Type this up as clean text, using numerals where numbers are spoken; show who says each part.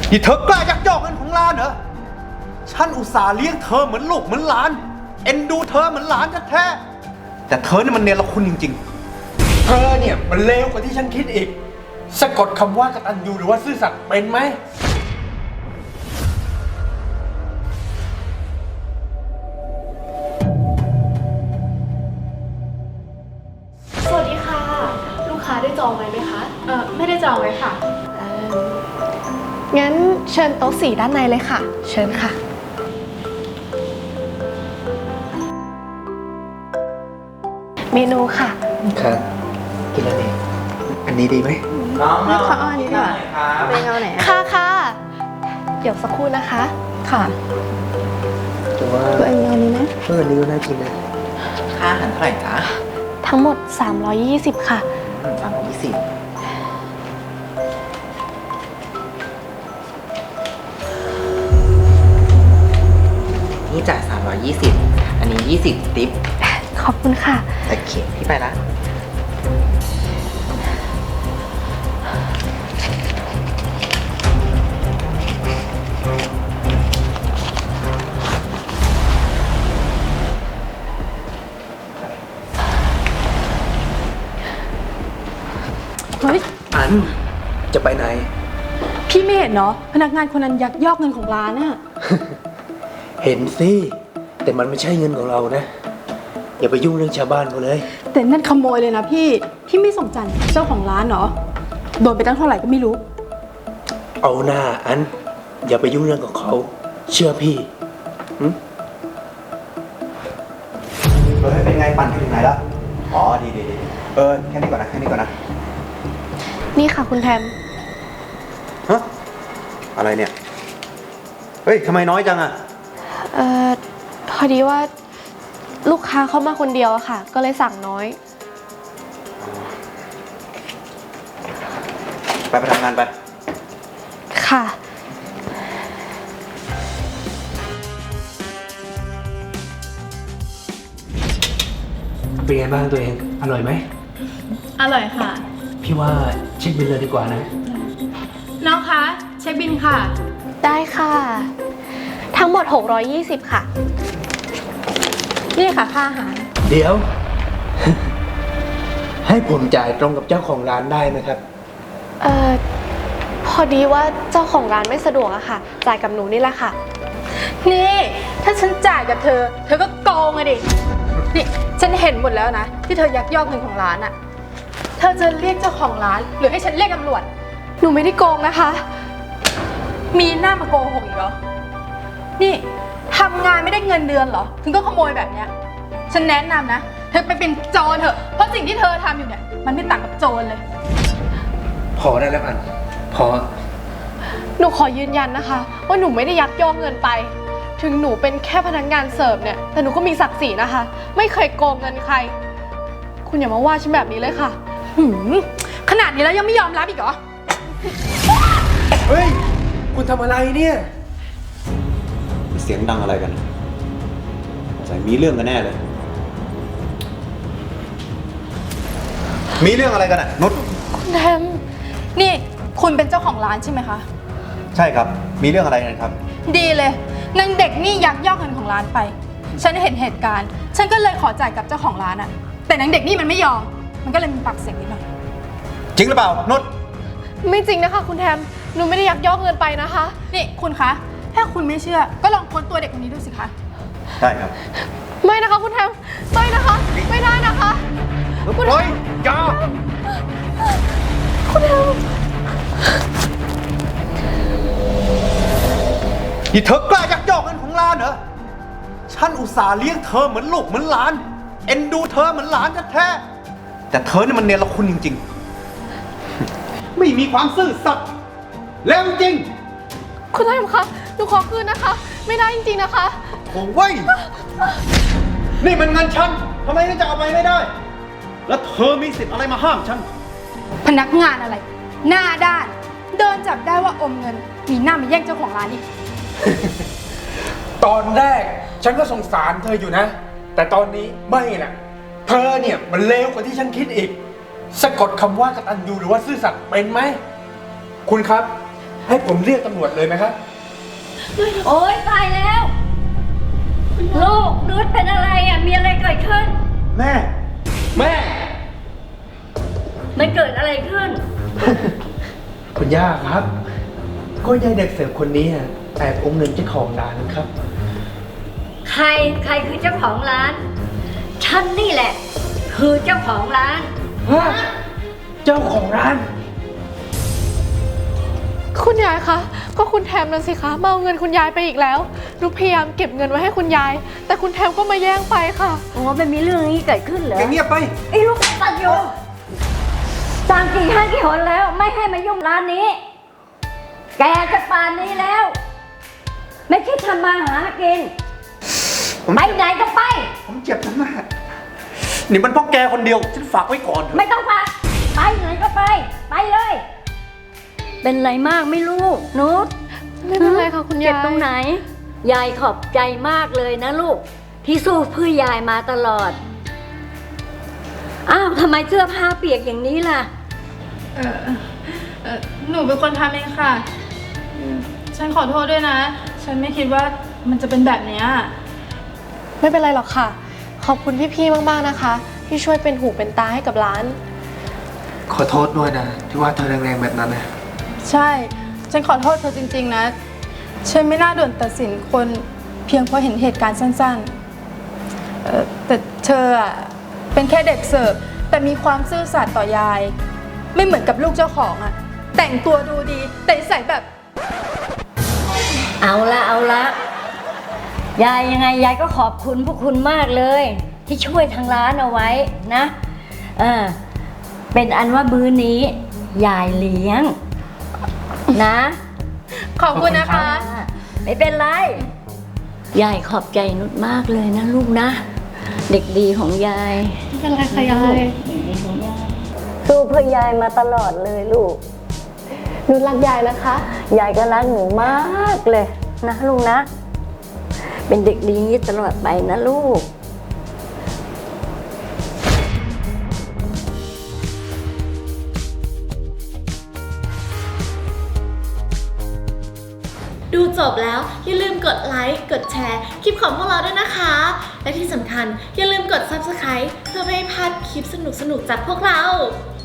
Speaker 1: นี่เธอกล้ายักยอกเงินของร้านเหรอฉันอุตส่าห์เลี้ยงเธอเหมือนลูกเหมือนหลานเอ็นดูเธอเหมือนหลานแท้ๆแต่เธอนี่มันเนรคุณจริงๆ
Speaker 2: เธอเนี่ยมันเลวกว่าที่ฉันคิดอีกสะกดคำว่ากตัญญูหรือว่าซื่อสัตย์เป็นไหม
Speaker 3: สวัสดีค่ะลูกค้าได้จองไว้ไหมคะ
Speaker 4: ไม่ได้จองไว้ค่ะ
Speaker 3: งั้นเชิญโต๊ะ4ด้านในเลยค่ะเชิญค่ะเมนูค่ะ
Speaker 2: ครับกินอะไรดีอันนี้ดีไหม
Speaker 4: เลือกข้าวอันนี้ก่อนเป็นเอาไหน
Speaker 3: ค่ะเดี๋ยวสักครู่นะคะ
Speaker 4: ค่ะ
Speaker 2: แต่ว่า
Speaker 4: เป็นเอานี้ไหม
Speaker 2: อันนี้ก็น่ากินนะ
Speaker 5: ค่าอาหารเท่าไหร่จ๊ะ
Speaker 3: ทั้งหมด320ค่ะ
Speaker 5: 320นี่จ่าย320อันนี้20ติ๊บ
Speaker 3: ขอบคุณค่ะ
Speaker 5: โอเคพี่ไปละ
Speaker 4: เฮ้ย
Speaker 2: อันจะไปไหน
Speaker 4: พี่ไม่เห็นเนาะพนักงานคนนั้นยักยอกเงินของร้านน่ะ
Speaker 2: เห็นสิแต่มันไม่ใช่เงินของเรานะอย่าไปยุ่งเรื่องชาวบ้านเขาเลย
Speaker 4: แต่นั่นขโมยเลยนะพี่ไม่สนใจเจ้าของร้านเหรอโดนไปตั้งเท่าไหร่ก็ไม่รู้
Speaker 2: เอาหน้าอันอย่าไปยุ่งเรื่องของเขาเชื่อพี่
Speaker 1: เป็นไงปั่นถึงไหนแล้วอ๋อดีแค่นี้ก่อนนะ
Speaker 3: นี่ค่ะคุณแทม
Speaker 1: ฮะอะไรเนี่ยเฮ้ยทำไมน้อยจังอะ
Speaker 3: พอดีว่าลูกค้าเข้ามาคนเดียวอะค่ะก็เลยสั่งน้อย
Speaker 1: ไปทำงานไป
Speaker 3: ค่ะ
Speaker 2: เป็นไงบ้างตัวเองอร่อยไหม
Speaker 4: อร่อยค่ะ
Speaker 2: พี่ว่าเช็คบิลเลยดีกว่านะ
Speaker 4: น้องคะเช็คบิลค่ะ
Speaker 3: ได้ค่ะทั้งหมด620ค่ะ
Speaker 4: นี่ค่ะค่าอาหาร
Speaker 2: เดี๋ยว ให้ผมจ่ายตรงกับเจ้าของร้านได้ไหมครับ
Speaker 3: พอดีว่าเจ้าของร้านไม่สะดวกอะค่ะจ่ายกับหนูนี่แหละค่ะ
Speaker 4: นี่ถ้าฉันจ่ายกับเธอก็โกงอะดินี่ฉันเห็นหมดแล้วนะที่เธอยักยอกเงินของร้านอะเธอจะเรียกเจ้าของร้านหรือให้ฉันเรียกตำรวจ
Speaker 3: หนูไม่ได้โกงนะคะ
Speaker 4: มีหน้ามาโกหกอีกเหรอนี่ทำงานไม่ได้เงินเดือนเหรอถึงก็ขโมยแบบเนี้ยฉันแนะนำนะเธอไปเป็นโจรเถอะเพราะสิ่งที่เธอทำอยู่เนี่ยมันไม่ต่างกับโจรเลย
Speaker 2: พอได้แล้วอันพอ
Speaker 3: หนูขอยืนยันนะคะว่าหนูไม่ได้ยักยอกเงินไปถึงหนูเป็นแค่พนักงานเสิร์ฟเนี่ยแต่หนูก็มีศักดิ์ศรีนะคะไม่เคยโกงเงินใครคุณอย่ามาว่าฉันแบบนี้เลยค่ะ
Speaker 4: ขนาดนี้แล้วยังไม่ยอมรับอีกเหรอ
Speaker 2: เฮ้ยคุณทำอะไรเนี่ย
Speaker 1: เสียงดังอะไรกันใส่มีเรื่องกันแน่เลยมีเรื่องอะไรกันอะนุช
Speaker 4: คุณแทมนี่คุณเป็นเจ้าของร้านใช่ไหมคะ
Speaker 1: ใช่ครับมีเรื่องอะไรกันครับ
Speaker 4: ดีเลยนางเด็กนี่ยักยอกเงินของร้านไปฉันเห็นเหตุการณ์ฉันก็เลยขอจ่ายกับเจ้าของร้านอะแต่นางเด็กนี่มันไม่ยอมมันก็เลยมีปากเสียงนิดหน่อย
Speaker 1: จริงหรือเปล่านุช
Speaker 3: ไม่จริงนะคะคุณแทมหนูไม่ได้ยักยอกเงินไปนะคะ
Speaker 4: นี่คุณคะถ้าคุณไม่เชื่อก็ลองค้นตัวเด็กคนนี้ดูสิคะ
Speaker 1: ได้ครับ
Speaker 3: ไม่นะคะคุณแทมไม่นะคะไม่ได้นะคะ
Speaker 1: คุณแทมอย่า
Speaker 3: คุณแทม
Speaker 1: นี่เธอกล้ายักยอกเงินของร้านเหรอฉันอุตส่าห์เลี้ยงเธอเหมือนลูกเหมือนหลานเอ็นดูเธอเหมือนหลานแท้ๆแต่เธอนี่มันเนรคุณจริงๆไม่มีความซื่อสัตย์แล้วจริง
Speaker 3: คุณแทมคะหนูขอคืนนะคะไม่ได้จริงๆนะคะ
Speaker 1: โอ้เว้ยนี่มันเงินฉันทำไมจะเอาไปไม่ได้แล้วเธอมีสิทธิ์อะไรมาห้ามฉัน
Speaker 4: พนักงานอะไรหน้าด้านเดินจับได้ว่าอมเงินมีหน้ามาแย่งเจ้าของร้านอีก
Speaker 2: ตอนแรกฉันก็สงสารเธออยู่นะแต่ตอนนี้ไม่นะเธอเนี่ยมันเลวกว่าที่ฉันคิดอีกสะกดคำว่ากตัญญูหรือว่าซื่อสัตย์เป็นไหมคุณครับให้ผมเรียกตำรวจเลยไหมครับ
Speaker 6: โอ๊ยตายแล้ว ลูกนุชเป็นอะไรอ่ะ มีอะไรเกิดขึ้น
Speaker 1: แม่ แม่
Speaker 6: มันเกิดอะไรขึ้น
Speaker 2: คุณย่าครับ ก็ยายเด็กเสิร์ฟคนนี้อะแอบเอาเงินเจ้าของร้านครับ
Speaker 6: ใครคือเจ้าของร้าน ฉันนี่แหละ คือเจ้าของร้าน
Speaker 2: ฮะ เจ้าของร้าน
Speaker 3: คุณยายคะ ก็คุณแทมนั่นสิคะมาเอาเงินคุณยายไปอีกแล้ว หนูพยายามเก็บเงินไว้ให้คุณยาย แต่คุณแทมก็มาแย่งไปค่ะ
Speaker 6: โอ้มันมีเรื่องนี้เกิดขึ้นเหรอ
Speaker 1: แกเงียบไป
Speaker 6: ไอ้ลูกตัดอยู่สั่งกี่ครั้งกี่หนแล้ว ไม่ให้มายุ่งร้านนี้ แกจะป่านนี้แล้ว ไม่คิดทำมาหากิน ไปไหนก็ไป
Speaker 1: ผมเจ็บนะแม่ นี่มันเพราะแกคนเดียว ฉันฝากไว้ก่อนเถอะ
Speaker 6: ไม่ต้องฝากไปไหนก็ไป ไปเลย เป็นไรมากไม่รู้นุช
Speaker 3: ไม่เป็นไรค่ะคุณยาย
Speaker 6: เจ็บตรงไหน ยายขอบใจมากเลยนะลูก ที่สู้เพื่อยายมาตลอด อ้าวทำไมเสื้อผ้าเปียกอย่างนี้ล่ะ
Speaker 4: หนูเป็นคนทำเองค่ะ ฉันขอโทษด้วยนะ ฉันไม่คิดว่ามันจะเป็นแบบเนี้ย
Speaker 3: ไม่เป็นไรหรอกค่ะ ขอบคุณพี่ๆ มากๆ นะคะ ที่ช่วยเป็นหูเป็นตาให้กับร้าน
Speaker 2: ขอโทษด้วยนะ ที่ว่าเธอแรงๆแบบนั้นนะ
Speaker 4: ใช่ ฉันขอโทษเธอจริงๆนะ ฉันไม่น่าด่วนตัดสินคนเพียงเพราะเห็นเหตุการณ์สั้นๆแต่เธออะเป็นแค่เด็กเสิร์ฟแต่มีความซื่อสัตย์ต่อยาย ไม่เหมือนกับลูกเจ้าของอะแต่งตัวดูดีแต่นิสัยแบบ
Speaker 6: เอาละยายยังไงยายก็ขอบคุณพวกคุณมากเลย ที่ช่วยทางร้านเอาไว้นะเป็นอันว่ามื้อนี้ยายเลี้ยงนะ
Speaker 4: ขอบคุณนะคะ
Speaker 6: ไม่เป็นไร ยายขอบใจนุชมากเลยนะลูกนะ เด็กดีของยาย
Speaker 3: ไม่เป็นไรค่ะยาย
Speaker 6: เด็กดีของยายสู้เพื่อยายมาตลอดเลยลูก
Speaker 3: หนูรักยายนะคะ
Speaker 6: ยายก็รักหนูมากเลยนะลูกนะ เป็นเด็กดีอย่างนี้ตลอดไปนะลูก
Speaker 7: ดูจบแล้วอย่าลืมกดไลค์ กดแชร์คลิปของพวกเราด้วยนะคะ และที่สำคัญอย่าลืมกด Subscribe เพื่อไม่ให้พลาดคลิปสนุกๆจากพวกเรา